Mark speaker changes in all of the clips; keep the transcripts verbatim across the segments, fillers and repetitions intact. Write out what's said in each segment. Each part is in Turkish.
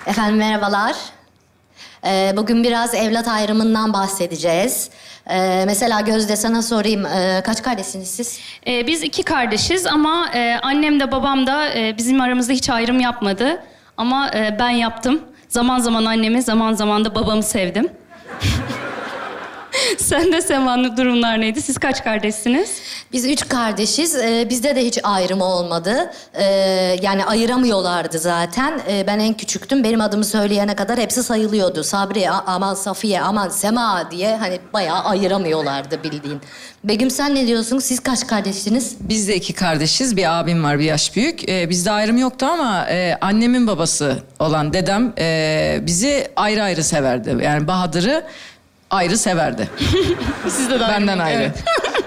Speaker 1: Efendim merhabalar. Ee, bugün biraz evlat ayrımından bahsedeceğiz. Ee, mesela Gözde sana sorayım, ee, kaç kardeşsiniz siz?
Speaker 2: Ee, biz iki kardeşiz ama e, annem de babam da e, bizim aramızda hiç ayrım yapmadı. Ama e, ben yaptım. Zaman zaman annemi, zaman zaman da babamı sevdim. Sen de Sema'nın durumlar neydi? Siz kaç kardeşsiniz?
Speaker 1: Biz üç kardeşiz. Ee, bizde de hiç ayrım olmadı. Ee, yani ayıramıyorlardı zaten. Ee, ben en küçüktüm. Benim adımı söyleyene kadar hepsi sayılıyordu. Sabri, a- aman Safiye, aman Sema diye hani bayağı ayıramıyorlardı bildiğin. Begüm sen ne diyorsun? Siz kaç kardeşsiniz?
Speaker 3: Biz de iki kardeşiz. Bir abim var, bir yaş büyük. Ee, bizde ayrım yoktu ama e, annemin babası olan dedem e, bizi ayrı ayrı severdi. Yani Bahadır'ı ayrı severdi.
Speaker 2: Sizde de
Speaker 3: Benden ayrı.
Speaker 2: Evet.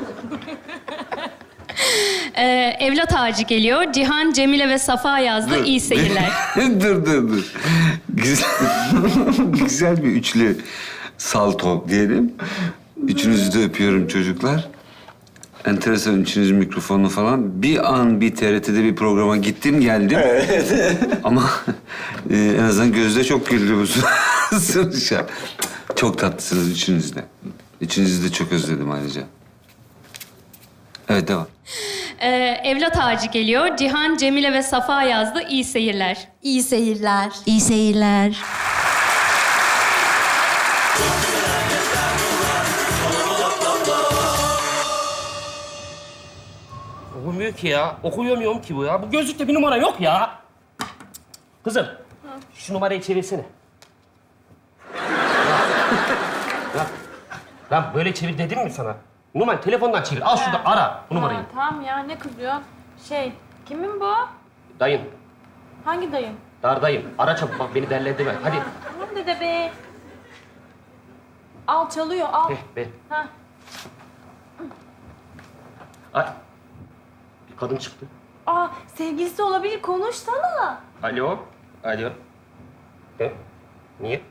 Speaker 2: Ee, evlat ağacı geliyor. Cihan, Cemile ve Safa yazdı. İyi seyirler.
Speaker 4: dur dur dur. Güzel, güzel bir üçlü salto diyelim. Üçünüzü de öpüyorum çocuklar. Enteresan üçünüzün mikrofonu falan. Bir an bir T R T'de bir programa gittim geldim. Evet. Ama e, en azından Gözde çok güldü bu sonuçta. Çok tatlısınız üçünüz de. Üçünüzü de çok özledim ayrıca. Evet devam.
Speaker 2: Ee, evlat ağacı geliyor. Cihan, Cemile ve Safa yazdı. İyi seyirler.
Speaker 1: İyi seyirler.
Speaker 3: İyi seyirler.
Speaker 5: Okumuyor ki ya. Okuyamıyorum ki bu ya. Bu gözlükte bir numara yok ya. Kızım, şu numarayı çevirsene. Ya, lan böyle çevir dedim mi sana? Numarayı telefondan çevir. Al şurada ara bu numarayı.
Speaker 6: Ha, tamam ya ne kızıyorsun? Şey, kimin bu?
Speaker 5: Dayın,
Speaker 6: Hangi dayın?
Speaker 5: dardayım. Ara çabuk bak beni derledi Hadi.
Speaker 6: Tamam dede be. Al çalıyor al.
Speaker 5: Heh be.
Speaker 6: Ha.
Speaker 5: Ay. Bir kadın çıktı.
Speaker 6: Aa sevgilisi olabilir konuşsana.
Speaker 5: Alo. Alo. He? Niye?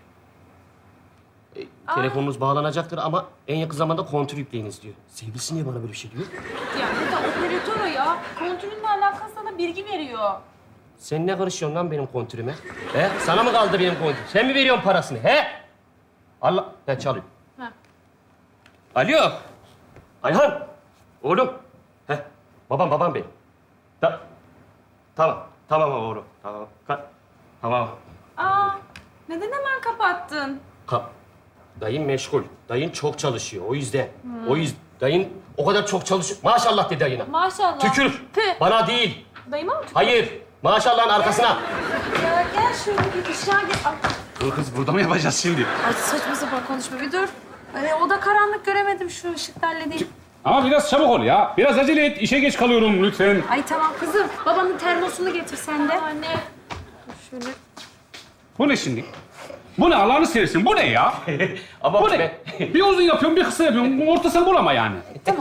Speaker 5: E, telefonunuz bağlanacaktır ama en yakın zamanda kontür yükleyiniz diyor. Sevgilisi niye bana böyle bir şey diyor?
Speaker 6: Ya dede operatör o ya. Kontürünle alakalı sana bilgi veriyor.
Speaker 5: Sen ne karışıyorsun lan benim kontürüme? He? Sana mı kaldı benim kontür? Sen mi veriyorsun parasını? He? Allah... Ben çalıyorum.
Speaker 6: Ha.
Speaker 5: Alo. Ayhan. Oğlum. He. Babam, babam benim. Ta tamam. Tamam oğlum. Tamam. Ka tamam.
Speaker 6: Aa neden hemen kapattın?
Speaker 5: Ka dayın meşgul. Dayın çok çalışıyor. O yüzden. O yüzden. Dayın o kadar çok çalışıyor. Maşallah de dayına.
Speaker 6: Maşallah.
Speaker 5: Tükür.
Speaker 6: Tüh.
Speaker 5: Bana değil.
Speaker 6: Dayıma mı tükür?
Speaker 5: Hayır. Maşallahın arkasına.
Speaker 6: Ya gel şöyle bir dışarı gel. Ay,
Speaker 7: Dur kız, burada mı yapacağız şimdi?
Speaker 6: ay saçma sapan konuşma bir dur. Ay, o da karanlık göremedim şu ışıkta halledeyim.
Speaker 7: Ama biraz çabuk ol ya. Biraz acele et. İşe geç kalıyorum lütfen.
Speaker 6: Ay tamam kızım. Babanın termosunu getir sen de. Anne. Dur şöyle.
Speaker 7: Bu ne şimdi? Bu ne Allah'ını seversin? Bu ne ya?
Speaker 5: Ama
Speaker 7: Bu ne?
Speaker 5: ben-
Speaker 7: Bir uzun yapıyorum, bir kısa yapıyorum. Ortasını bulama yani.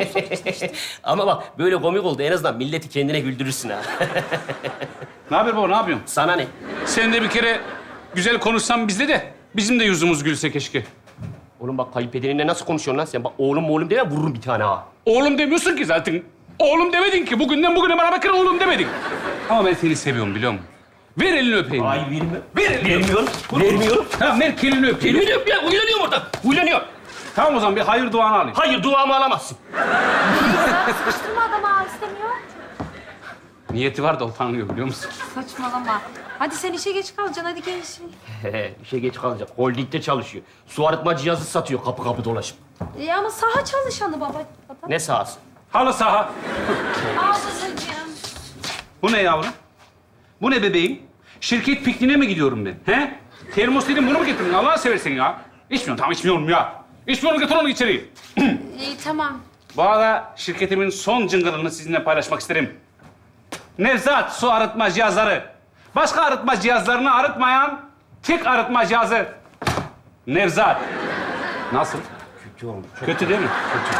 Speaker 5: Ama bak böyle komik oldu. En azından milleti kendine güldürürsün ha.
Speaker 7: Ne haber baba, ne yapıyorsun?
Speaker 5: Sana ne?
Speaker 7: Sen de bir kere güzel konuşsan bizde de bizim de yüzümüz gülse keşke.
Speaker 5: Oğlum bak kayınpederinle nasıl konuşuyorsun lan sen? Bak oğlum oğlum deme vururum bir tane ha.
Speaker 7: Oğlum demiyorsun ki zaten. Oğlum demedin ki. Bugünden bugüne bana bakın oğlum demedin. Ama ben seni seviyorum biliyor musun? Ver elini öpeyim.
Speaker 5: Ay vermiyorum.
Speaker 7: Ver elini.
Speaker 5: Vermiyorum. Vermiyorum.
Speaker 7: Tamam ver elini öpeyim.
Speaker 5: Vermiyorum ya. Uylanıyorum orada. Uylanıyorum.
Speaker 7: Tamam o zaman bir hayır duanı alayım.
Speaker 5: Hayır duamı alamazsın.
Speaker 6: Sıkıştırma adamı ha, istemiyor.
Speaker 7: Niyeti var da utanıyor biliyor musun?
Speaker 6: Saçmalama. Hadi sen işe geç kalacaksın. Hadi gel işe.
Speaker 5: İşe geç kalacak. Holdingde çalışıyor. Su arıtma cihazı satıyor kapı kapı dolaşıp.
Speaker 6: Ya ama saha çalışanı baba. baba.
Speaker 5: Ne sahası?
Speaker 7: Halı saha.
Speaker 6: Aa babacığım.
Speaker 7: Bu ne yavrum? Bu ne bebeğim? Şirket pikniğine mi gidiyorum ben? He? Termos dedim bunu mu getirdin? Allah'ını seversen ya. İçmiyorum, tamam içmiyorum ya. İçmiyorum, getir onu içeri.
Speaker 6: İyi tamam.
Speaker 7: Bu arada şirketimin son cıngırını sizinle paylaşmak isterim. Nevzat su arıtma cihazları. Başka arıtma cihazlarını arıtmayan tek arıtma cihazı. Nevzat. Nasıl?
Speaker 5: Kötü olmuş.
Speaker 7: Kötü değil mi?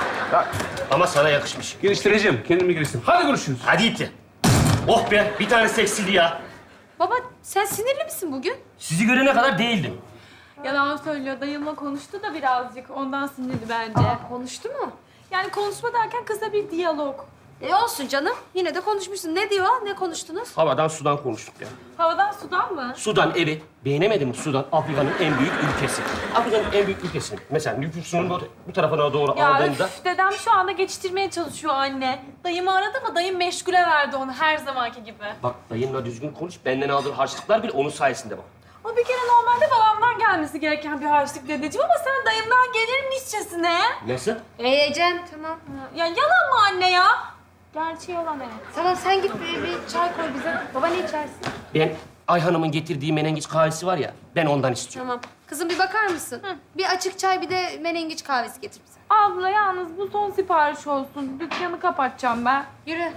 Speaker 5: Ama sana yakışmış.
Speaker 7: Geliştireceğim, kendimi geliştireyim. Hadi görüşürüz.
Speaker 5: Hadi itti. Oh be bir tane seksiydi ya.
Speaker 6: Baba sen sinirli misin bugün?
Speaker 5: Sizi görene kadar değildim.
Speaker 8: Yalan söylüyor. Dayımla konuştu da birazcık. Ondan sinirli bence.
Speaker 6: Konuştu mu?
Speaker 8: Yani konuşma derken kızla bir diyalog.
Speaker 6: E olsun canım. Yine de konuşmuşsun. Ne diyor? Ne konuştunuz?
Speaker 5: Havadan sudan konuştuk ya.
Speaker 8: Havadan sudan mı?
Speaker 5: Sudan, evet. Beğenemedim mi Sudan? Afrika'nın en büyük ülkesi. Afrika'nın en büyük ülkesi. Mesela nüfusunun bu, bu tarafına doğru
Speaker 8: Ya
Speaker 5: aldığında...
Speaker 8: üf, dedem şu anda geçiştirmeye çalışıyor anne. Dayımı aradı ama dayım meşgule verdi onu her zamanki gibi.
Speaker 5: Bak dayınla düzgün konuş. Benden aldığı harçlıklar bile onun sayesinde bak.
Speaker 8: O bir kere normalde babamdan gelmesi gereken bir harçlık dedeciğim ama sen dayımdan gelirmişçesine.
Speaker 5: Nasıl?
Speaker 6: Ee Ecem tamam.
Speaker 8: Ya yalan mı anne ya? Gerçi yalan evet.
Speaker 6: Tamam sen git bir, bir çay koy bize. Baba ne içersin?
Speaker 5: Ben Ayhan'ımın getirdiği menengiç kahvesi var ya, ben ondan istiyorum.
Speaker 6: Tamam. Kızım bir bakar mısın? Bir açık çay bir de menengiç kahvesi getir bize.
Speaker 8: Abla yalnız bu son sipariş olsun. Dükkanı kapatacağım ben.
Speaker 6: Yürü.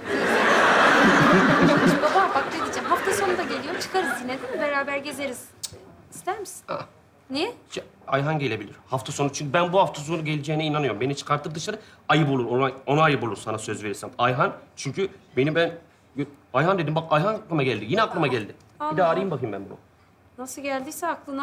Speaker 6: Baba bak ne diyeceğim. Hafta sonu da geliyor. Çıkarız yine değil mi? Beraber gezeriz. Cık, İster misin?
Speaker 5: Aa.
Speaker 6: Niye?
Speaker 5: Ya, Ayhan gelebilir hafta sonu çünkü ben bu hafta sonu geleceğine inanıyorum. Beni çıkartır dışarı, ayıp olur, ona, ona ayıp olur sana söz verirsem. Ayhan çünkü beni ben... Ayhan dedim, bak Ayhan aklıma geldi, yine aklıma geldi. Bir daha arayayım bakayım ben bunu.
Speaker 6: Nasıl geldiyse aklına.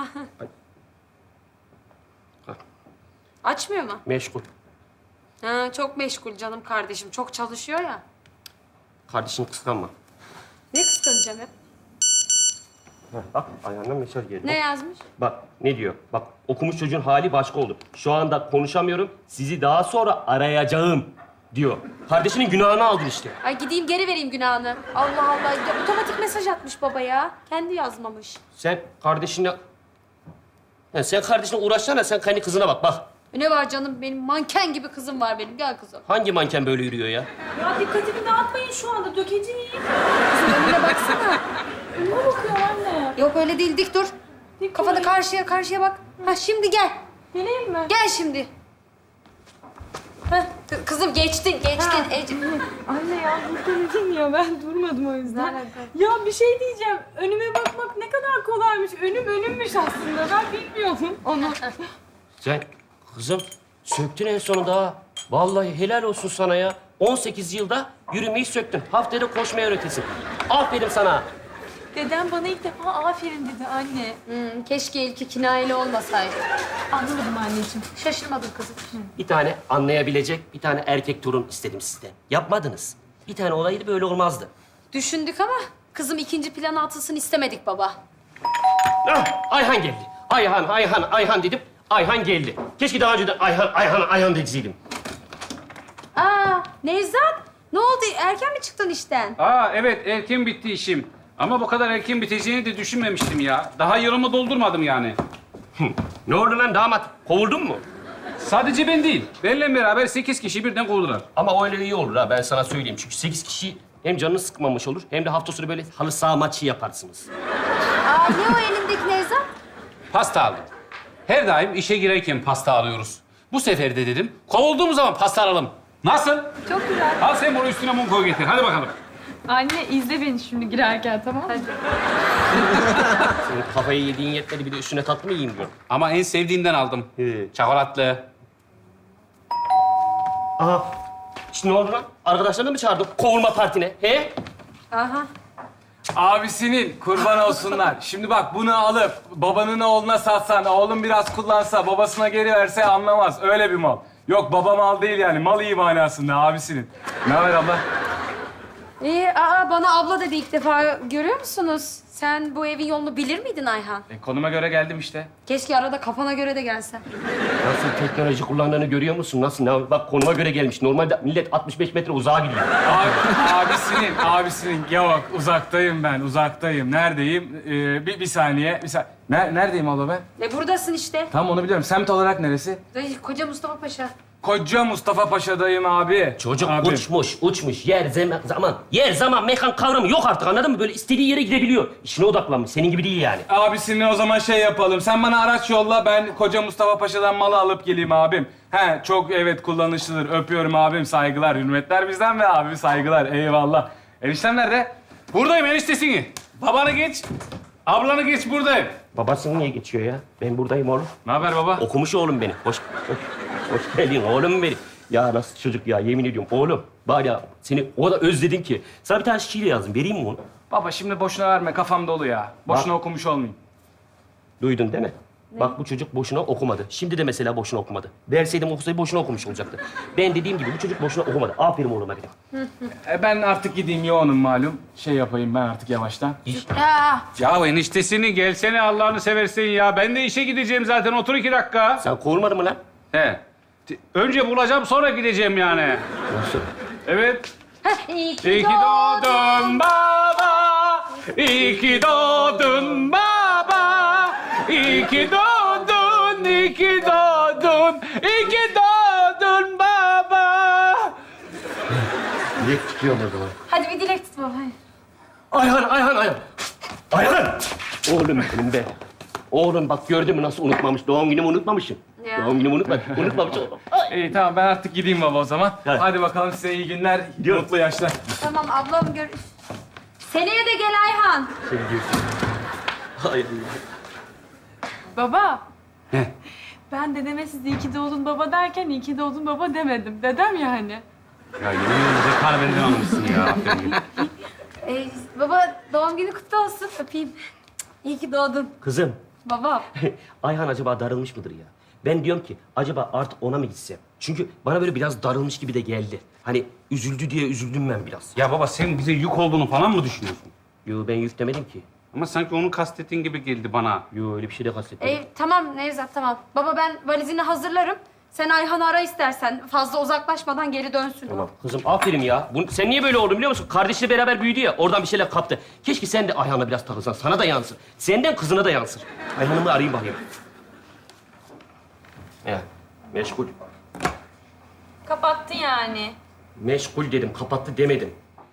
Speaker 5: Hah.
Speaker 6: Açmıyor mu?
Speaker 5: Meşgul.
Speaker 6: Ha, çok meşgul canım kardeşim. Çok çalışıyor ya.
Speaker 5: Kardeşini kıskanma.
Speaker 6: Ne kıskanacağım hep?
Speaker 5: Heh, bak Ayhan'dan mesaj geldi.
Speaker 6: Ne yazmış?
Speaker 5: Bak ne diyor? Bak okumuş çocuğun hali başka oldu. Şu anda konuşamıyorum. Sizi daha sonra arayacağım diyor. Kardeşinin günahını aldın işte.
Speaker 6: Ay gideyim geri vereyim günahını. Allah Allah. Ya, otomatik mesaj atmış baba ya. Kendi yazmamış.
Speaker 5: Sen kardeşinle... Ya sen kardeşine uğraşsana, sen kendi kızına bak, bak.
Speaker 6: E ne var canım? Benim manken gibi kızım var benim. Gel kızım.
Speaker 5: Hangi manken böyle yürüyor ya?
Speaker 8: Ya dikkatimi dağıtmayın şu anda dökeceğim.
Speaker 6: Kızım önüne baksana.
Speaker 8: Ne bakıyor anne?
Speaker 6: Yok öyle değil. Dik dur.
Speaker 8: Dik
Speaker 6: Kafanı
Speaker 8: durayım.
Speaker 6: karşıya karşıya bak. Ha şimdi gel.
Speaker 8: Geleyim mi?
Speaker 6: Gel şimdi. Heh, kı- kızım geçtin, geçtin. Ece.
Speaker 8: Anne ya durduracağım ya ben durmadım o yüzden. Ya bir şey diyeceğim. Önüme bakmak ne kadar kolaymış. Önüm önümmüş aslında. Ben bilmiyordum onu.
Speaker 5: Sen kızım söktün en sonunda ha. Vallahi helal olsun sana ya. on sekiz yılda yürümeyi söktün. Haftada koşmayı öğretesin. Aferin sana.
Speaker 8: Dedem bana ilk defa aferin dedi anne.
Speaker 6: Hmm, keşke ilki kinayeli olmasaydı.
Speaker 8: Anlamadım anneciğim.
Speaker 6: Şaşırmadım kızım.
Speaker 5: Bir tane anlayabilecek bir tane erkek torun istedim sizden. Yapmadınız. Bir tane olaydı böyle olmazdı.
Speaker 6: Düşündük ama kızım ikinci plana atılsın istemedik baba.
Speaker 5: Ah, Ayhan geldi. Ayhan, Ayhan, Ayhan dedim. Ayhan geldi. Keşke daha önceden Ayhan, Ayhan, Ayhan deseydim.
Speaker 6: Aa Nevzat, ne oldu? Erken mi çıktın işten?
Speaker 7: Aa evet, erken bitti işim. Ama bu kadar erken biteceğini de düşünmemiştim ya. Daha yılımı doldurmadım yani.
Speaker 5: Ne oldu lan damat? Kovuldun mu?
Speaker 7: Sadece ben değil. Benimle beraber sekiz kişi birden kovdular.
Speaker 5: Ama öyle iyi olur ha, ben sana söyleyeyim. Çünkü sekiz kişi hem canını sıkmamış olur hem de hafta sonu böyle halı saha maçı yaparsınız.
Speaker 6: Aa ne o elindeki Nevzat?
Speaker 7: Pasta aldım. Her daim işe girerken pasta alıyoruz. Bu sefer de dedim, kovulduğumuz zaman pasta alalım. Nasıl?
Speaker 8: Çok güzel.
Speaker 7: Al sen bunu üstüne mum koy getir. Hadi bakalım.
Speaker 8: Anne izle beni şimdi girerken tamam mı?
Speaker 5: Senin kafayı yediğin yetmedi, bir de üstüne tatlı mı yiyeyim diyorum.
Speaker 7: Ama en sevdiğimden aldım.
Speaker 5: He.
Speaker 7: Çikolatlı.
Speaker 5: Aha. İşte ne oldu lan? Arkadaşlarını mı çağırdın kovulma partine? He?
Speaker 6: Aha.
Speaker 9: Abisinin kurban olsunlar. Şimdi bak bunu alıp babanın oğluna satsan, oğlum biraz kullansa, babasına geri verse anlamaz. Öyle bir mal. Yok baba mal değil yani. Mal iyi manasında abisinin. Ne haber abla?
Speaker 6: İyi, aa bana abla dedi ilk defa. Görüyor musunuz? Sen bu evin yolunu bilir miydin Ayhan?
Speaker 7: E, konuma göre geldim işte.
Speaker 6: Keşke arada kafana göre de gelsen.
Speaker 5: Nasıl teknoloji kullandığını görüyor musun? Nasıl? Ne? Bak konuma göre gelmiş. Normalde millet altmış beş metre uzağa gidiyor.
Speaker 9: Abi, abisinin, abisinin. Yok uzaktayım ben, uzaktayım. Neredeyim? Ee, bir, bir saniye, bir saniye. Ner- neredeyim abla ben?
Speaker 6: E buradasın işte.
Speaker 9: Tamam onu biliyorum. Semt olarak neresi?
Speaker 6: Dayı, Koca Mustafa Paşa.
Speaker 9: Koca Mustafa Paşa'dayım abi.
Speaker 5: Çocuk
Speaker 9: Abi.
Speaker 5: uçmuş, uçmuş. Yer, zaman, zaman. Yer, zaman, mekan kavramı yok artık anladın mı? Böyle istediği yere gidebiliyor. İşine odaklanmış. Senin gibi değil yani.
Speaker 9: Abisini o zaman şey yapalım. Sen bana araç yolla, ben Koca Mustafa Paşa'dan malı alıp geleyim abim. He, çok evet kullanışlıdır. Öpüyorum abim, saygılar, hürmetler bizden ve abim saygılar. Eyvallah. Eniştem nerede?
Speaker 7: Buradayım eniştesini. Babanı geç. Ablanı geç buradayım.
Speaker 5: Babasını niye geçiyor ya? Ben buradayım oğlum.
Speaker 9: Ne haber baba?
Speaker 5: Okumuş oğlum beni. Hoş, hoş, hoş geldin oğlum benim. Ya nasıl çocuk ya, yemin ediyorum oğlum. Var ya seni o da özledim ki. Sana bir tane şiir yazdım. Vereyim mi onu?
Speaker 9: Baba şimdi boşuna verme, kafam dolu ya. Boşuna okumuş olmayayım.
Speaker 5: Duydun değil mi? Bak bu çocuk boşuna okumadı. Şimdi de mesela boşuna okumadı. Verseydim okusaydı boşuna okumuş olacaktı. Ben dediğim gibi bu çocuk boşuna okumadı. Aferin oğluma benim.
Speaker 9: E, ben artık gideyim yoğunum malum. Şey yapayım ben artık yavaştan.
Speaker 6: Ya
Speaker 7: Ya eniştesini gelsene Allah'ını seversen ya. Ben de işe gideceğim zaten. Otur iki dakika.
Speaker 5: Sen kovulmadın mı lan?
Speaker 7: He. T- Önce bulacağım sonra gideceğim yani.
Speaker 5: Nasıl?
Speaker 7: Evet.
Speaker 6: iyi
Speaker 7: İyi
Speaker 6: ki
Speaker 7: ki doğdun baba. İyi ki doğdun baba. İyi ki doğdun, iyi ki doğdun. İyi ki doğdun baba.
Speaker 5: Dilek tutuyorum o zaman.
Speaker 6: Hadi bir dilek tut baba. hadi.
Speaker 5: Ayhan, Ayhan, Ayhan. Ayhan! Oğlum benim be. Oğlum bak gördün mü nasıl unutmamış? Doğum günümü unutmamışım.
Speaker 6: Ya.
Speaker 5: Doğum günümü unutmadım. Unutmamış oğlum.
Speaker 9: İyi tamam ben artık gideyim baba o zaman.
Speaker 5: Hadi.
Speaker 9: Hadi bakalım size iyi günler,
Speaker 5: Gidiyorum.
Speaker 9: mutlu yaşlar.
Speaker 6: Tamam ablam gör. Seneye de gel Ayhan.
Speaker 5: Sen diyorsun. Hay Allah.
Speaker 8: Baba.
Speaker 7: He.
Speaker 8: Ben dedeme siz iyi ki doğdun baba derken iyi ki doğdun baba demedim. Dedem ya hani.
Speaker 7: Ya yemin ederim zekar benden almışsın ya. Aferin.
Speaker 6: Ee, baba doğum günü kutlu olsun. Öpeyim. İyi ki doğdun.
Speaker 5: Kızım,
Speaker 6: Baba.
Speaker 5: Ayhan acaba darılmış mıdır ya? Ben diyorum ki acaba artık ona mı gitsem? Çünkü bana böyle biraz darılmış gibi de geldi. Hani üzüldü diye üzüldüm ben biraz.
Speaker 7: Ya baba sen bize yük olduğunu falan mı düşünüyorsun?
Speaker 5: Yo ben yük demedim ki.
Speaker 7: Ama sanki onu kastettiğin gibi geldi bana.
Speaker 5: Yo öyle bir şey de kastetmedim.
Speaker 6: Ee, tamam Nevzat tamam. Baba ben valizini hazırlarım. Sen Ayhan'ı ara istersen. Fazla uzaklaşmadan geri dönsün.
Speaker 5: Tamam kızım aferin ya. Bu, sen niye böyle oldun biliyor musun? Kardeşiyle beraber büyüdü ya. Oradan bir şeyler kaptı. Keşke sen de Ayhan'la biraz takılsan. Sana da yansır. Senden kızına da yansır. Ayhan'ımı arayayım bakayım. Ya meşgul.
Speaker 8: Kapattı yani.
Speaker 5: Meşgul dedim. Kapattı demedim.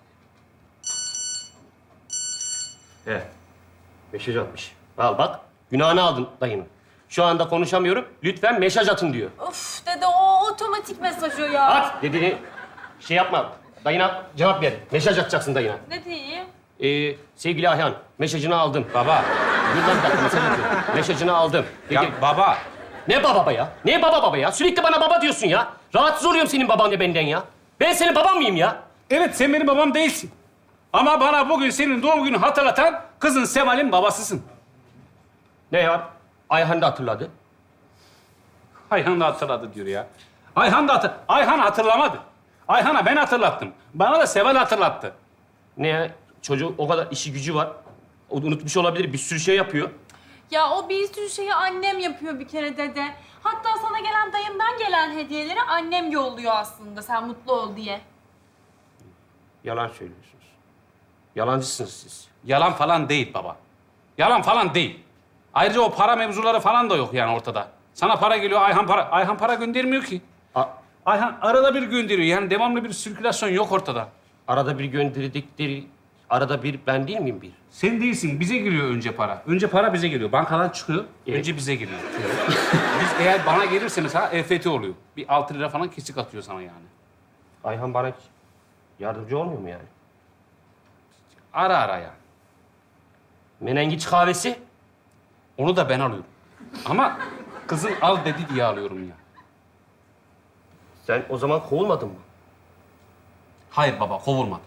Speaker 5: He. Mesaj atmış. Al bak. Günahını aldın dayının. Şu anda konuşamıyorum. Lütfen mesaj atın diyor.
Speaker 8: Of dede o otomatik mesaj o ya.
Speaker 5: At dediğini şey yapma. Dayına cevap ver. Mesaj atacaksın dayına.
Speaker 8: Ne diyeyim?
Speaker 5: Ee, sevgili Ayhan, mesajını aldım. Baba. Dur lan bir dakika, mesaj atıyorum. Mesajını aldım. Dedi,
Speaker 7: Ya baba.
Speaker 5: ne baba baba ya? Ne baba baba ya? Sürekli bana baba diyorsun ya. Rahatsız oluyorum senin baban ve benden ya. Ben senin baban mıyım ya?
Speaker 7: Evet sen benim babam değilsin. Ama bana bugün senin doğum gününü hatırlatan kızın Seval'in babasısın.
Speaker 5: Ne ya? Ayhan da hatırladı.
Speaker 7: Ayhan da hatırladı diyor ya. Ayhan da hatır... Ayhan hatırlamadı. Ayhan'a ben hatırlattım. Bana da Seval hatırlattı.
Speaker 5: Ne ya? Çocuğun o kadar işi gücü var. O da unutmuş olabilir. Bir sürü şey yapıyor.
Speaker 8: Ya o bir sürü şeyi annem yapıyor bir kere dede. Hatta sana gelen dayımdan gelen hediyeleri annem yolluyor aslında sen mutlu ol diye.
Speaker 5: Yalan söylüyorsunuz. Yalancısınız siz.
Speaker 7: Yalan falan değil baba. Yalan falan değil. Ayrıca o para mevzuları falan da yok yani ortada. Sana para geliyor, Ayhan para... Ayhan para göndermiyor ki.
Speaker 5: A-
Speaker 7: Ayhan arada bir gönderiyor. Yani devamlı bir sirkülasyon yok ortada.
Speaker 5: arada bir gönderdikleri... Arada bir ben değil miyim bir?
Speaker 7: Sen değilsin. Bize giriyor önce para. Önce para bize geliyor. Bankadan çıkıyor.
Speaker 5: Evet.
Speaker 7: Önce bize geliyor. Biz eğer bana gelirse mesela E F T oluyor. Bir altı lira falan kesik atıyor sana yani.
Speaker 5: Ayhan bana hiç yardımcı olmuyor mu yani?
Speaker 7: Ara ara yani.
Speaker 5: Menengiç kahvesi?
Speaker 7: Onu da ben alıyorum. Ama kızın al dedi diye alıyorum ya.
Speaker 5: Sen o zaman kovulmadın mı?
Speaker 7: Hayır baba, kovulmadım.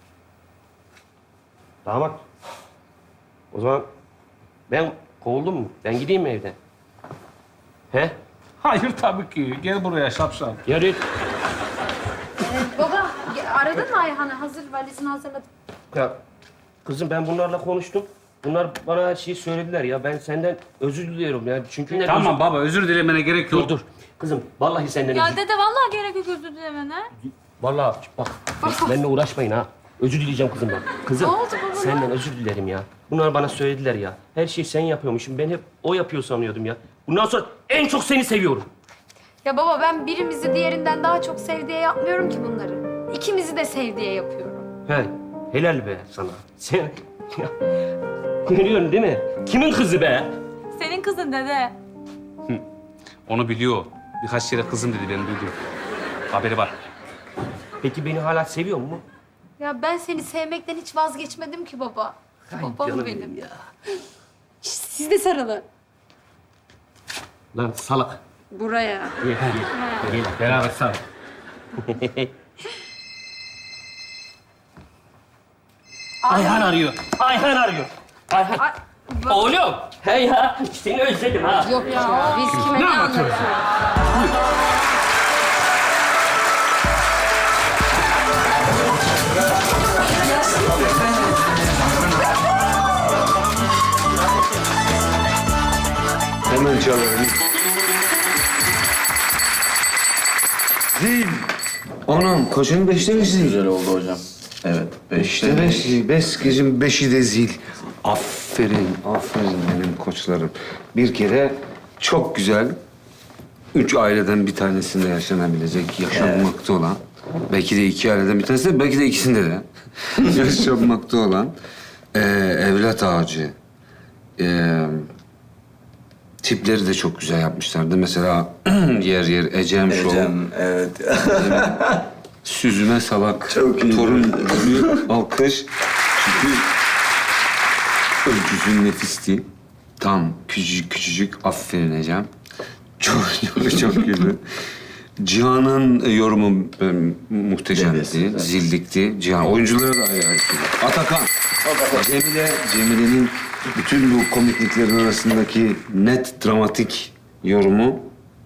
Speaker 5: Damat. O zaman ben kovuldum mu? Ben gideyim mi evden? He?
Speaker 7: Hayır tabii ki. Gel buraya şapşal.
Speaker 5: Yarın.
Speaker 6: Ee, baba aradın mı Ayhan'ı? Hazır valizini hazırladım.
Speaker 5: Ya kızım ben bunlarla konuştum. Bunlar bana her şeyi söylediler ya. Ben senden özür diliyorum yani. Çünkü ne
Speaker 7: Tamam baba, özür dilemene gerek yok.
Speaker 5: Dur dur. Kızım vallahi senden
Speaker 8: Ya
Speaker 5: özür
Speaker 8: dede vallahi gerek yok özür dilemene.
Speaker 5: Vallahi bak benimle uğraşmayın ha. Özür dileyeceğim kızımdan. Kızım
Speaker 8: Ne oldu baba?
Speaker 5: senden özür dilerim ya. Bunlar bana söylediler ya. Her şeyi sen yapıyormuşsun. Ben hep o yapıyor sanıyordum ya. Bundan sonra en çok seni seviyorum.
Speaker 6: Ya baba ben birimizi diğerinden daha çok sev diye yapmıyorum ki bunları. İkimizi de sev diye yapıyorum.
Speaker 5: He, helal be sana. Sen ya, görüyorsun değil mi? Kimin kızı be?
Speaker 8: Senin kızın dede.
Speaker 7: Onu biliyor. Birkaç kere kızım dedi, ben duydum. Haberi var.
Speaker 5: Peki beni hala seviyor mu?
Speaker 6: Ya ben seni sevmekten hiç vazgeçmedim ki baba. Babam
Speaker 5: canım
Speaker 6: benim.
Speaker 5: benim ya.
Speaker 6: Şişt, siz de sarılın.
Speaker 5: Lan salak.
Speaker 6: Buraya.
Speaker 5: Gel, gel. Gel, beraber sağ ol. Ayhan arıyor. Ayhan arıyor. Ayhan.
Speaker 6: Ay,
Speaker 5: Oğlum. He ya. Seni özledim ha.
Speaker 6: Yok ya, biz kime ne anlatıyoruz?
Speaker 4: Hemen çalalım. Zil. Anam koşun beşte mi zil?
Speaker 10: Güzel oldu hocam. Evet.
Speaker 4: Beşte beş zil. Beş gecim beşi de zil. Aferin, aferin benim koçlarım. Bir kere çok güzel, üç aileden bir tanesinde yaşanabilecek, yaşanmakta olan, belki de iki aileden bir tanesinde, belki de ikisinde de yaşanmakta olan eee, evlat ağacı. Eee tipleri de çok güzel yapmışlardı. Mesela yer yer Ecem Show.
Speaker 10: Ecem, evet.
Speaker 4: Süzme salak.
Speaker 10: Çok iyi.
Speaker 4: Torun gibi alkış. Çünkü öyküsü nefisti. Tam küçücük küçücük. Aferin Ecem. Çok çok çok güzel. Cihan'ın yorumu e, muhteşemdi.
Speaker 10: Dedesi, evet.
Speaker 4: Zildikti. Cihan. Oyunculara da ayrı ayrı. Atakan. Cemile. Cemile'nin bütün bu komikliklerin arasındaki net dramatik yorumu.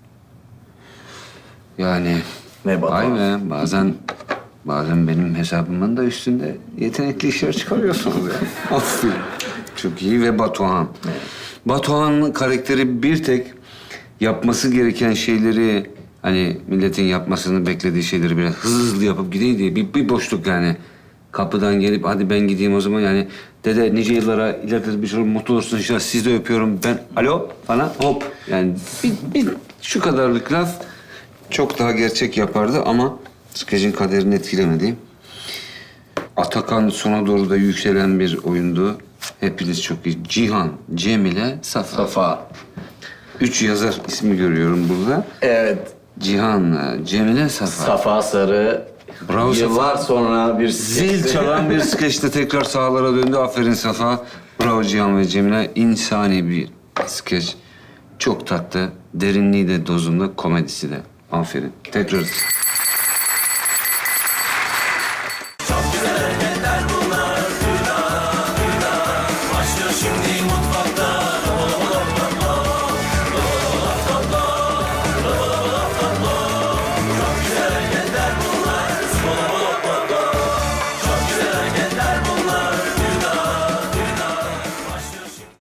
Speaker 4: Yani
Speaker 10: Ne baba?
Speaker 4: vay be, bazen bazen benim hesabımın da üstünde yetenekli işler çıkarıyorsunuz ya. Aferin. Çok iyi ve Batuhan. Batuhan'ın karakteri bir tek yapması gereken şeyleri, hani milletin yapmasını beklediği şeyleri biraz hızlı hızlı yapıp gideyim diye bir, bir boşluk yani. Kapıdan gelip hadi ben gideyim o zaman yani. Dede nice yıllara ileride bir şey mutlu olursun inşallah, sizi de öpüyorum ben. Alo falan hop. Yani bir, bir şu kadarlık laf çok daha gerçek yapardı ama skecin kaderini etkilemedi. Atakan sona doğru da yükselen bir oyundu. Hepiniz çok iyi. Cihan, Cemile, Safa.
Speaker 10: Safa.
Speaker 4: Üç yazar ismi görüyorum burada.
Speaker 10: Evet.
Speaker 4: Cihan, Cemile, Safa.
Speaker 10: Safa Sarı.
Speaker 4: Bravo Safa.
Speaker 10: Yıllar sonra bir
Speaker 4: Zil çalan bir skeçte tekrar sahalara döndü. Aferin Safa. Bravo Cihan ve Cemile. İnsani bir skeç. Çok tatlı. Derinliği de dozunda, komedisi de. Aferin. Tekrar.